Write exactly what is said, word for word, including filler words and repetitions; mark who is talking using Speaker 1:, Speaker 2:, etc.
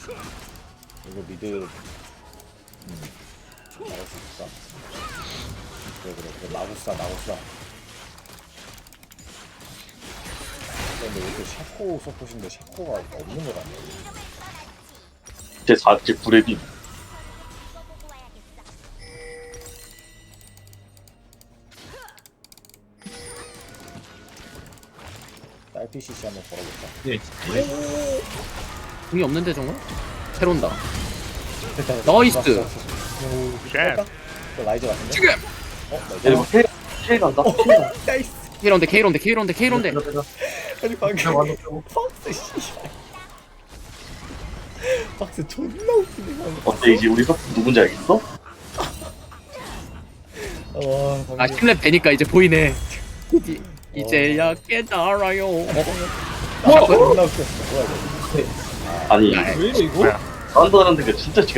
Speaker 1: 이거 미드 음 나올 수 있을까? 그래 그래 그래 마구싸 마구싸. 근데 왜 이렇게 샤코 서폿인데 샤코가 없는 거 같네.
Speaker 2: 제 사, 제 구레비.
Speaker 1: 딸피 씨씨 한번 걸어볼까?
Speaker 3: 네.
Speaker 4: 궁이 없는데 정말? 새로 온다.
Speaker 1: 됐다,
Speaker 4: 나이스!
Speaker 1: 됐다. 오, 할까? 또 라이즈 같은데?
Speaker 4: 지금!
Speaker 1: 어?
Speaker 2: 얘네 뭐
Speaker 1: 라이즈?
Speaker 2: K, K 간다? K 간다.
Speaker 1: 나이스!
Speaker 4: K런데 K런데 K런데 K런데
Speaker 1: 아니 방금 박스 씨발 박스 존나 웃기네 방금.
Speaker 2: 어때, 이제 우리 석 누군지 알겠어?
Speaker 1: 와 방금
Speaker 4: 아 십 렙 되니까 이제 보이네. 이- 이제야 깨달아요.
Speaker 1: 아, 존나 웃겼어. 뭐야 이거.
Speaker 2: 아니,
Speaker 3: 왜 이래 이거?
Speaker 2: 사운드 하는 데가 진짜 지가